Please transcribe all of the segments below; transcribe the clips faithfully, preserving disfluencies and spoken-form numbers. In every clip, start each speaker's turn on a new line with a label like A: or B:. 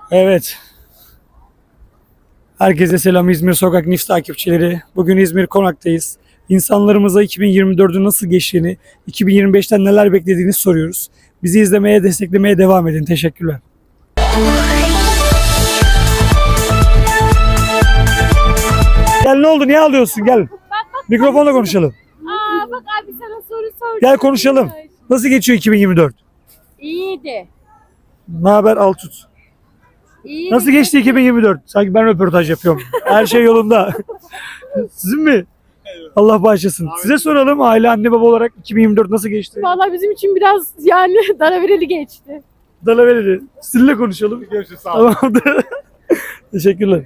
A: Evet. Herkese selam İzmir Sokak News takipçileri. Bugün İzmir Konak'tayız. İnsanlarımıza iki bin yirmi dördün nasıl geçtiğini, iki bin yirmi beşten neler beklediğini soruyoruz. Bizi izlemeye, desteklemeye devam edin. Teşekkürler. Gel, ne oldu? Niye ağlıyorsun? Gel. Mikrofonla konuşalım.
B: Aa bak abi sana soru sordum.
A: Gel konuşalım. Nasıl geçiyor iki bin yirmi dört?
B: İyiydi.
A: Ne haber Altut?
B: İyiydi.
A: Nasıl geçti iki bin yirmi dört? Sanki ben röportaj yapıyorum. Her şey yolunda. Sizin mi? Allah bağışlasın. Size soralım, aile anne baba olarak iki bin yirmi dört nasıl geçti?
B: Vallahi bizim için biraz yani daravereli geçti.
A: Dalavereli. Sizinle konuşalım.
C: Görüşürüz. Sağ olun.
A: Tamamdır. Teşekkürler.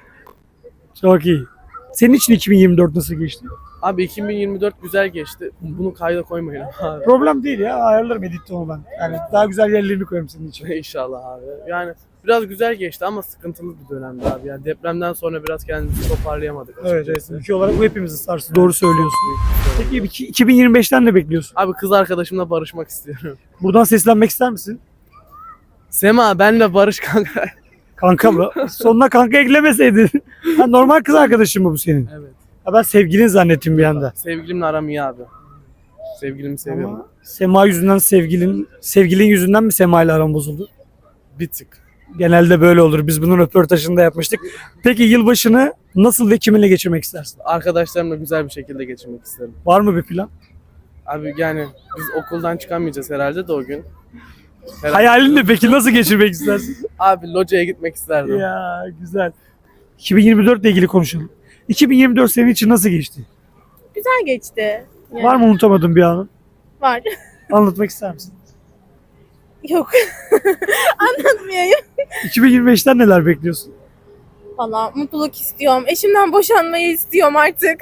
A: Çok iyi. Senin için iki bin yirmi dört nasıl geçti?
D: Abi iki bin yirmi dört güzel geçti. Bunu kayda koymayın abi.
A: Problem değil ya. Ayarlarım editte onu ben. Yani daha güzel yerlerini koyarım senin için.
D: İnşallah abi. Yani biraz güzel geçti ama sıkıntılı bir dönemdi abi. Yani depremden sonra biraz kendimizi toparlayamadık
A: Evet, evet.
D: açıkçası.
A: Ülke olarak bu hepimizi sarstı. Doğru söylüyorsun. Peki iki- 2025'ten ne bekliyorsun?
D: Abi kız arkadaşımla barışmak istiyorum.
A: Buradan seslenmek ister misin?
D: Sema benle barış kanka.
A: Kanka mı? Sonuna kanka eklemeseydin. Ha, normal kız arkadaşın mı bu senin?
D: Evet.
A: Ha, ben sevgilin zannettim bir anda.
D: Sevgilimle aram iyi abi. Sevgilimi seviyorum.
A: Ama Sema yüzünden sevgilin, sevgilin yüzünden mi Sema ile aran bozuldu?
D: Bir tık.
A: Genelde böyle olur. Biz bunun röportajını da yapmıştık. Peki yılbaşını nasıl ve kiminle geçirmek istersin?
D: Arkadaşlarımla güzel bir şekilde geçirmek isterim.
A: Var mı bir plan?
D: Abi yani biz okuldan çıkamayacağız herhalde de o gün. Herhalde-
A: Hayalin ne peki? Nasıl geçirmek istersin?
D: Abi locaya gitmek isterdim.
A: Ya güzel. iki bin yirmi dört ile ilgili konuşalım. iki bin yirmi dört senin için nasıl geçti?
B: Güzel geçti. Yani
A: Var mı unutamadığın bir anın?
B: Var.
A: Anlatmak ister misin?
B: Yok. Anlatmayayım.
A: iki bin yirmi beşten neler bekliyorsun?
B: Valla mutluluk istiyorum. Eşimden boşanmayı istiyorum artık.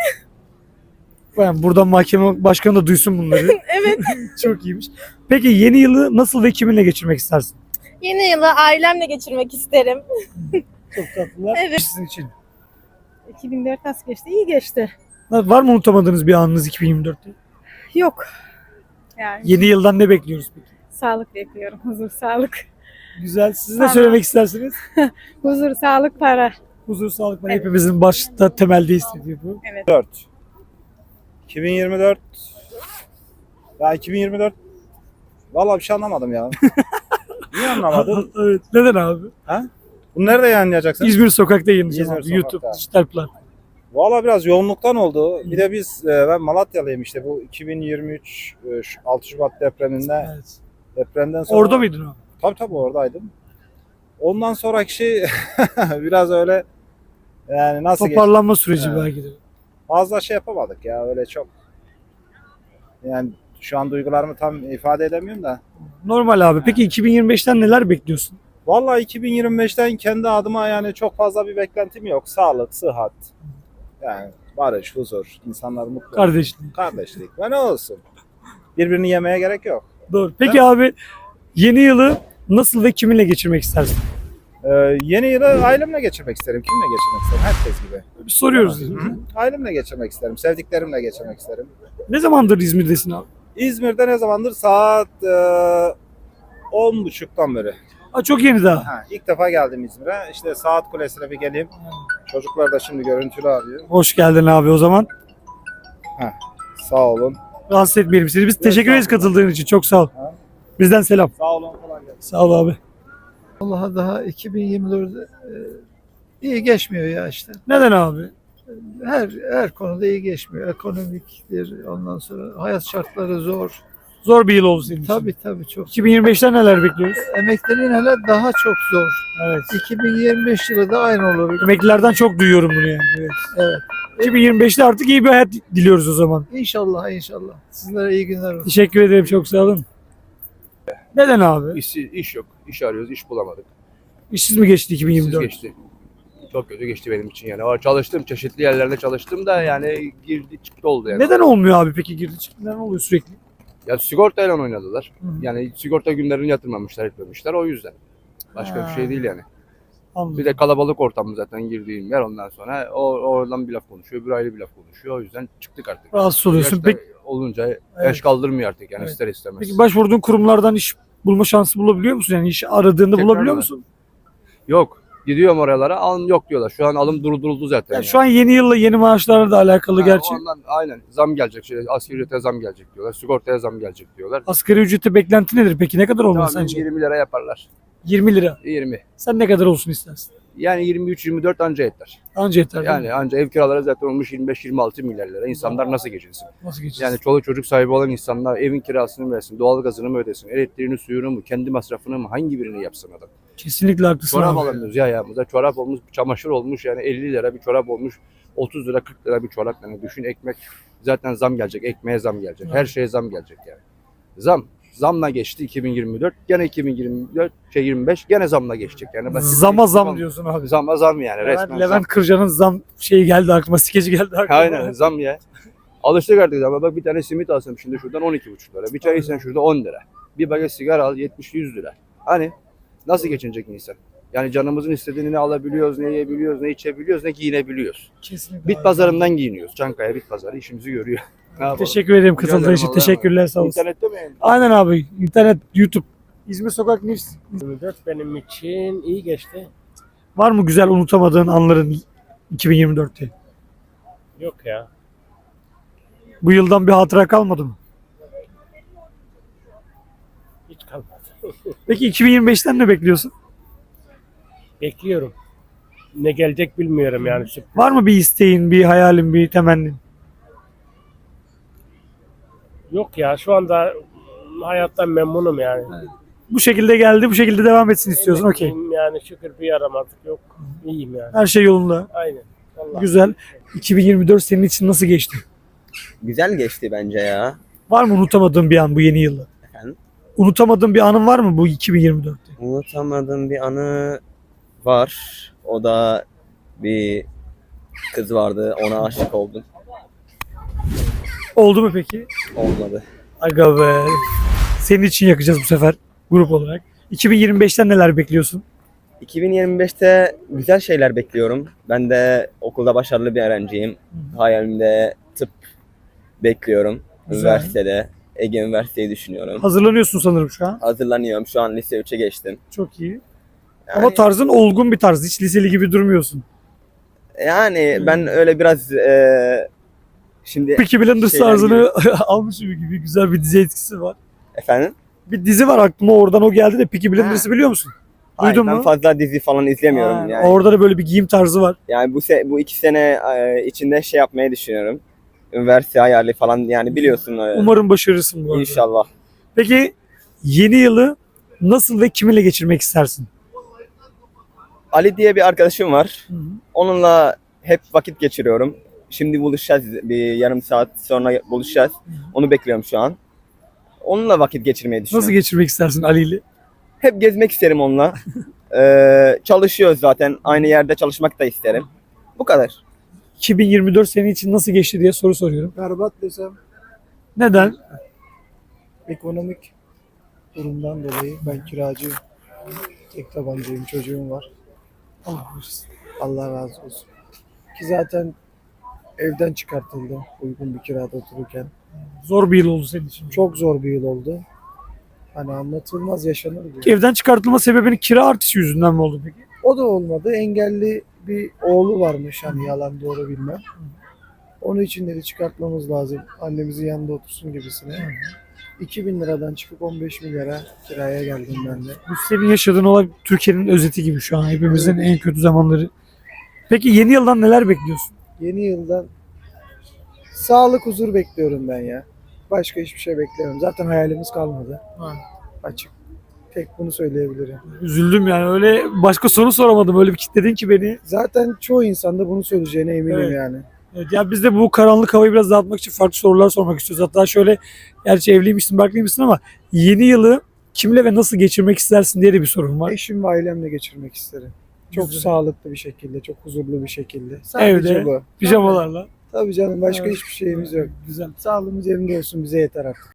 A: Ben buradan mahkeme başkanı da duysun bunları.
B: Evet.
A: Çok iyiymiş. Peki yeni yılı nasıl ve kiminle geçirmek istersin?
B: Yeni yılı ailemle geçirmek isterim.
A: Çok tatlılar.
B: Evet.
A: Sizin için.
E: iki bin dört nasıl geçti? İyi geçti.
A: Var mı unutamadığınız bir anınız iki bin yirmi dörtte?
E: Yok. Yani
A: Yeni yıldan ne bekliyoruz peki?
E: sağlık bekliyorum. Huzur, sağlık.
A: Güzel. Siz ne
E: Tamam.
A: söylemek istersiniz?
E: Huzur, sağlık, para.
A: Huzur, sağlık var.
E: Evet.
A: Hepimizin başta temelde istediği bu.
C: dört. iki bin yirmi dört. Ya iki bin yirmi dört. Vallahi bir şey anlamadım ya. Niye anlamadın?
A: Evet. Neden abi?
C: Bunu nerede yayınlayacaksın?
A: İzmir Sokak'ta yayınlayacağım
C: İzmir
A: abi.
C: Sokak'ta.
A: YouTube, dijital platform.
C: Vallahi biraz yoğunluktan oldu. Bir de biz e, ben Malatyalıyım işte bu iki bin yirmi üç e, şu altı Şubat depreminde
A: Evet.
C: depremden sonra.
A: Orada mıydın abi?
C: Tabii tabii oradaydım. Ondan sonraki şey biraz öyle yani nasıl geçti?
A: Toparlanma süreci
C: Evet.
A: belki de.
C: Fazla şey yapamadık ya öyle çok. Yani şu an duygularımı tam ifade edemiyorum da.
A: Normal abi. Peki iki bin yirmi beşten neler bekliyorsun?
C: Vallahi iki bin yirmi beşten kendi adıma yani çok fazla bir beklentim yok. Sağlık, sıhhat, yani barış, huzur, insanlar mutlu.
A: Kardeşlik.
C: Kardeşlik ve ne olsun. Birbirini yemeye gerek yok.
A: Doğru. Peki abi yeni yılı nasıl ve kiminle geçirmek istersin?
C: Ee, yeni yılı ailemle geçirmek isterim. Kimle geçirmek isterim? Herkes gibi.
A: Bir soruyoruz.
C: Hı hı. Ailemle geçirmek isterim. Sevdiklerimle geçirmek isterim.
A: Ne zamandır İzmir'desin abi?
C: İzmir'de ne zamandır? Saat e, on buçuktan beri.
A: Aa, çok yeni daha.
C: Ha, ilk defa geldim İzmir'e. İşte Saat Kulesi'ne bir geleyim. Çocuklar da şimdi görüntülü arıyor.
A: Hoş geldin abi o zaman.
C: Sağ olun.
A: Rahatsız etmeyelim seni. Biz teşekkür ederiz
C: estağfurullah.
A: katıldığın için. Çok sağ ol.
C: Ha.
A: Bizden selam.
C: Sağ olun. Kolay gelsin.
A: Sağ ol abi.
F: Allah'a daha iki bin yirmi dörtte e, iyi geçmiyor ya işte.
A: Neden abi?
F: Her her konuda iyi geçmiyor. Ekonomiktir, ondan sonra hayat şartları zor.
A: Zor bir yıl oldu senin için.
F: Tabii tabii çok.
A: iki bin yirmi beşten neler bekliyoruz?
F: Emeklerin hele daha çok zor.
A: Evet.
F: iki bin yirmi beş yılı da aynı olur.
A: Emeklilerden çok duyuyorum bunu yani. Evet.
F: Evet.
A: iki bin yirmi beşte artık iyi bir hayat diliyoruz o zaman.
F: İnşallah inşallah. Sizlere iyi günler olsun.
A: Teşekkür ederim. Çok sağ olun. Neden abi?
G: İş, iş yok. İş arıyoruz, iş bulamadık.
A: İşsiz mi geçti iki bin yirmi
G: Siz
A: dört?
G: geçti. Çok kötü geçti benim için yani. Ama çalıştım, çeşitli yerlerde çalıştım da yani girdi çıktı oldu yani.
A: Neden olmuyor abi peki girdi çıktı? Neden oluyor sürekli?
G: Ya sigortayla oynadılar.
A: Hı hı.
G: Yani sigorta günlerini yatırmamışlar, etmemişler o yüzden. Başka
A: Ha.
G: bir şey değil yani.
A: Anladım.
G: Bir de kalabalık ortamı zaten girdiğim yer, ondan sonra o oradan bir laf konuşuyor, öbür aile bir laf konuşuyor. O yüzden çıktık artık.
A: Rahatsız oluyorsun.
G: Yaşta
A: Peki,
G: olunca yaş kaldırmıyor artık yani
A: Evet.
G: ister istemez.
A: peki başvurduğun kurumlardan iş bulma şansı bulabiliyor musun? Yani iş aradığında
G: Tekrar
A: bulabiliyor
G: mı?
A: musun?
G: Yok. Gidiyorum oralara alım yok diyorlar. Şu an alım durduruldu zaten.
A: Ya
G: yani.
A: şu an yeni yılla yeni maaşlarla da alakalı
G: Ha,
A: gerçi.
G: ondan, aynen zam gelecek. Şey, asgari ücrete zam gelecek diyorlar. Sigortaya zam gelecek diyorlar.
A: Asgari ücreti beklenti nedir peki? Ne kadar olmalı
G: Tamam,
A: sence?
G: yirmi lira yaparlar.
A: yirmi lira.
G: yirmi.
A: Sen ne kadar olsun istersin?
G: Yani yirmi üç yirmi dört anca yeter.
A: Anca yeter. değil mi?
G: Yani anca ev kiraları zaten olmuş yirmi beş yirmi altı milyar lira. İnsanlar nasıl geçinsin?
A: Nasıl geçeceğiz?
G: Yani çoluk çocuk sahibi olan insanlar evin kirasını mı versin, doğalgazını mı ödesin, elektriğini, suyunu mu, kendi masrafını mı, hangi birini yapsın adam?
A: Kesinlikle haklısın
G: Çorap
A: abi.
G: alamıyoruz ya ayağımıza. Çorap olmuş, çamaşır olmuş yani elli lira bir çorap olmuş. otuz lira kırk lira bir çorap yani düşün ekmek zaten zam gelecek, ekmeğe zam gelecek, her şeye zam gelecek yani. Zam, zamla geçti iki bin yirmi dört, gene iki bin yirmi dört, şey yirmi beş gene zamla geçecek yani. Başka bir
A: Zama
G: değişiklik
A: zam
G: olmaz.
A: diyorsun abi.
G: Zama zam yani
A: Levent,
G: resmen
A: Levent
G: zam.
A: Kırca'nın zam şeyi geldi aklıma, skeci geldi aklıma.
G: Aynen zam ya. Alıştık artık ama bak bir tane simit alsam şimdi şuradan on iki buçuk lira. Bir çay içsen şurada on lira. Bir paket sigara al yetmiş yüz lira. Hani nasıl geçinecek insan? Yani canımızın istediğini ne alabiliyoruz, ne yiyebiliyoruz, ne içebiliyoruz, ne giyinebiliyoruz.
A: Kesinlikle
G: Bit
A: abi.
G: pazarından giyiniyoruz. Çankaya bit pazarı işimizi görüyor. Ne yapalım?
A: Teşekkür ederim katıldığın
G: ederim,
A: için.
G: Allah'a
A: Teşekkürler sağ olasın.
G: İnternette mi yayın?
A: Aynen abi. İnternet, YouTube. İzmir Sokak News.
H: yirmi dört benim için iyi geçti.
A: Var mı güzel unutamadığın anların iki bin yirmi dörtte?
H: Yok ya.
A: Bu yıldan bir hatıra kalmadı mı?
H: Hiç kalmadı.
A: Peki iki bin yirmi beşten ne bekliyorsun?
H: Bekliyorum. Ne gelecek bilmiyorum yani. Sürpriz.
A: Var mı bir isteğin, bir hayalin, bir temennin?
H: Yok ya şu anda hayattan memnunum yani.
A: Bu şekilde geldi, bu şekilde devam etsin istiyorsun. Okey.
H: Emekliyim Yani şükür bir yaramazlık yok. İyiyim yani.
A: Her şey yolunda.
H: Aynen. Vallahi.
A: Güzel. iki bin yirmi dört senin için nasıl geçti?
I: Güzel geçti bence ya.
A: Var mı unutamadığın bir an bu yeni yılda?
I: Efendim?
A: Unutamadığın bir anın var mı bu iki bin yirmi dörtte?
I: Unutamadığım bir anı var. O da bir kız vardı. Ona aşık oldum.
A: Oldu mu peki?
I: Olmadı.
A: Aga be. Senin için yakacağız bu sefer grup olarak. iki bin yirmi beşten neler bekliyorsun?
I: iki bin yirmi beşte güzel şeyler bekliyorum. Ben de okulda başarılı bir öğrenciyim. Hayalimde tıp bekliyorum.
A: Güzel.
I: Üniversitede. Ege Üniversiteyi düşünüyorum.
A: Hazırlanıyorsun sanırım şu an.
I: Hazırlanıyorum. Şu an lise üçe geçtim.
A: Çok iyi.
I: Yani,
A: Ama tarzın olgun bir tarz. Hiç liseli gibi durmuyorsun.
I: yani ben öyle biraz eee şimdi
A: Peaky Blinders
I: şeyler
A: tarzını almışım gibi güzel bir dizi etkisi var.
I: efendim?
A: Bir dizi var aklıma oradan o geldi de Peaky Blinders'ı biliyor musun?
I: Hayır,
A: Duydun
I: ben
A: mu?
I: fazla dizi falan izlemiyorum
A: Ha,
I: yani.
A: Orada da böyle bir giyim tarzı var.
I: Yani bu se bu iki sene e, içinde şey yapmayı düşünüyorum. Üniversite hayali falan yani biliyorsun. e,
A: Umarım başarırsın bu arada.
I: İnşallah.
A: Peki yeni yılı nasıl ve kiminle geçirmek istersin?
I: Ali diye bir arkadaşım var.
A: Hı hı.
I: Onunla hep vakit geçiriyorum. Şimdi buluşacağız. Bir yarım saat sonra buluşacağız. Onu bekliyorum şu an. Onunla vakit geçirmeyi düşünüyorum.
A: Nasıl geçirmek istersin Ali ile?
I: Hep gezmek isterim onunla. Ee, çalışıyoruz zaten. Aynı yerde çalışmak da isterim. Bu kadar.
A: iki bin yirmi dört senin için nasıl geçti diye soru soruyorum.
F: Berbat desem
A: Neden?
F: ekonomik durumdan dolayı ben kiracıyım. Tek tabancayım, çocuğum var.
A: Allah korusun.
F: Allah razı olsun. Ki zaten evden çıkartıldı uygun bir kirada otururken.
A: Zor bir yıl oldu senin için.
F: Çok zor bir yıl oldu. Hani anlatılmaz yaşanır gibi.
A: Evden çıkartılma sebebinin kira artışı yüzünden mi oldu peki?
F: O da olmadı. Engelli bir oğlu varmış hani yalan doğru bilmem. Onun için dedi çıkartmamız lazım. Annemizin yanında otursun gibisine. iki bin liradan çıkıp on beş milyara kiraya geldim ben de.
A: Bu senin yaşadığın olay Türkiye'nin özeti gibi şu an. Hepimizin en kötü zamanları. Peki yeni yıldan neler bekliyorsun?
F: Yeni yıldan sağlık, huzur bekliyorum ben ya. Başka hiçbir şey beklemiyorum. Zaten hayalimiz kalmadı.
A: Ha.
F: Açık. Tek bunu söyleyebilirim.
A: Üzüldüm yani öyle başka soru soramadım. Öyle bir kitledin ki beni.
F: Zaten çoğu insanda bunu söyleyeceğine eminim
A: Evet.
F: yani.
A: Evet, ya biz de bu karanlık havayı biraz dağıtmak için farklı sorular sormak istiyoruz. Hatta şöyle, gerçi evliymişsin, barklıymışsın ama yeni yılı kimle ve nasıl geçirmek istersin diye de bir sorum var.
F: Eşim ve ailemle geçirmek isterim. Çok
A: Güzel.
F: sağlıklı bir şekilde, çok huzurlu bir şekilde. Sadece
A: Evde,
F: bu.
A: pijamalarla.
F: Tabii canım başka
A: Evet.
F: hiçbir şeyimiz yok.
A: Güzel.
F: Sağlığımız yerinde olsun bize yeter artık.